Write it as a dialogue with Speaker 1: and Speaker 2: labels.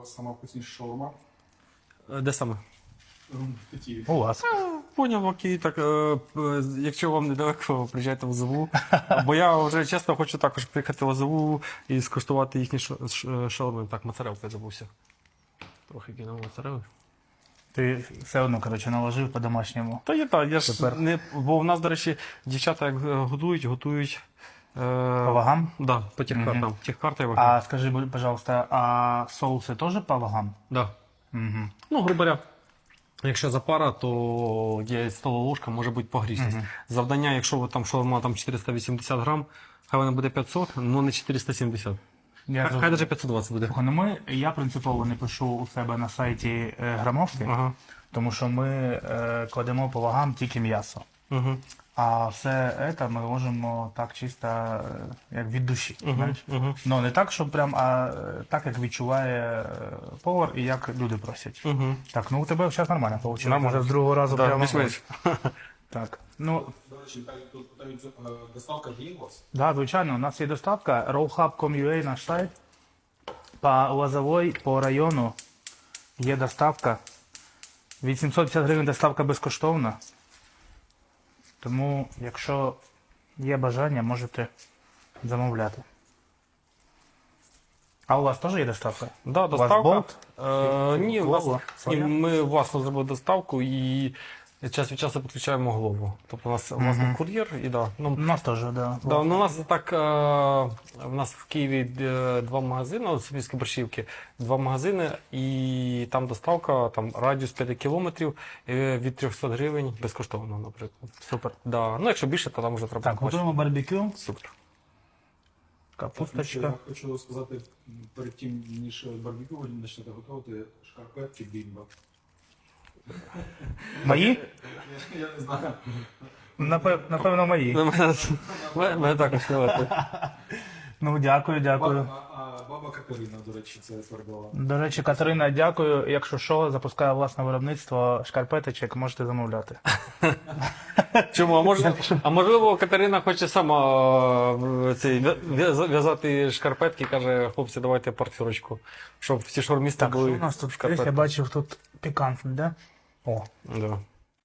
Speaker 1: вас сама вкусніша шаурма?
Speaker 2: Де саме?
Speaker 1: В Києві.
Speaker 3: У вас.
Speaker 2: Поняв, окей, так, якщо вам недалеко, приїжджайте в Лозову. Бо я вже чесно хочу також приїхати в Лозову і скуштувати їхні шаурми. Так, моцарелку я забувся. Трохи кинув моцарели.
Speaker 3: Ти все одно, коротше, наложив по-домашньому.
Speaker 2: Та є так, я ж
Speaker 3: Супер.
Speaker 2: не. Бо в нас, до речі, дівчата як готують.
Speaker 3: По вагам?
Speaker 2: Да, по техкартам.
Speaker 3: Мгм.
Speaker 2: Техкарта і ваги.
Speaker 3: А скажи, пожалуйста, а соуси теж по вагам?
Speaker 2: Да.
Speaker 3: Угу.
Speaker 2: Ну, грубо говоря, якщо запара, то є столова ложка, може бути погрішність. Завдання, якщо ви там шаурма там 480 грам, хай вона буде 500, але не 470. Хай навіть 520 буде.
Speaker 3: Слухай, я принципово не пишу у себе на сайті грамовки,
Speaker 2: Ага.
Speaker 3: тому що ми кладемо по вагам тільки м'ясо.
Speaker 2: Угу.
Speaker 3: А все це ми ложимо так чисто, як від душі. Знаєш?
Speaker 2: Угу.
Speaker 3: Ну не так, що прям, а так, як відчуває повар і як люди просять.
Speaker 2: Угу.
Speaker 3: Так, ну у тебе зараз нормально вийшло.
Speaker 2: Нормально.
Speaker 3: Може з другого разу
Speaker 2: Да,
Speaker 3: прямо.
Speaker 2: більш-менш.
Speaker 3: Так. Ну,
Speaker 1: До речі, тут питають, доставка є у вас?
Speaker 3: да, звичайно, у нас є доставка. Rowhub.com.ua наш сайт. По Лозовой, по району є доставка. 850 гривень доставка безкоштовна. Тому, якщо є бажання, можете замовляти. А у вас теж є доставка?
Speaker 2: Да,
Speaker 3: У вас
Speaker 2: доставка.
Speaker 3: болт?
Speaker 2: Ні,
Speaker 3: Глова?
Speaker 2: ні, ми власно зробили доставку і час від часу підключаємо голову. Тобто у нас власний кур'єр і да.
Speaker 3: У
Speaker 2: Ну,
Speaker 3: нас теж, да.
Speaker 2: да, ну, у нас так, в нас в Києві два магазини, от Софійської Борщівки, два магазини, і там доставка, там радіус 5 кілометрів від 300 гривень безкоштовно, наприклад.
Speaker 3: Супер.
Speaker 2: Да. Ну, якщо більше, то там вже треба
Speaker 3: Так, готуємо барбекю.
Speaker 2: Супер.
Speaker 3: Капусточка.
Speaker 1: Я хочу сказати, перед тим, ніж барбекю ви почнете готувати шкарпетки бімба.
Speaker 3: Мої?
Speaker 1: Я не знаю.
Speaker 3: Напевно, мої.
Speaker 2: Мене також хвилити.
Speaker 3: Ну, дякую, дякую.
Speaker 1: А баба Катерина, до речі, це передала.
Speaker 3: До речі, Катерина, дякую. Якщо що, запускає власне виробництво шкарпеточок, можете замовляти.
Speaker 2: Чому? А можливо, Катерина хоче сама в'язати шкарпетки, каже, хлопці, давайте партнерочку, щоб всі шаурмісти
Speaker 3: Так, що
Speaker 2: були
Speaker 3: у нас тут?
Speaker 2: в шкарпетках.
Speaker 3: Я бачив тут пікантне, да? О,
Speaker 2: Да.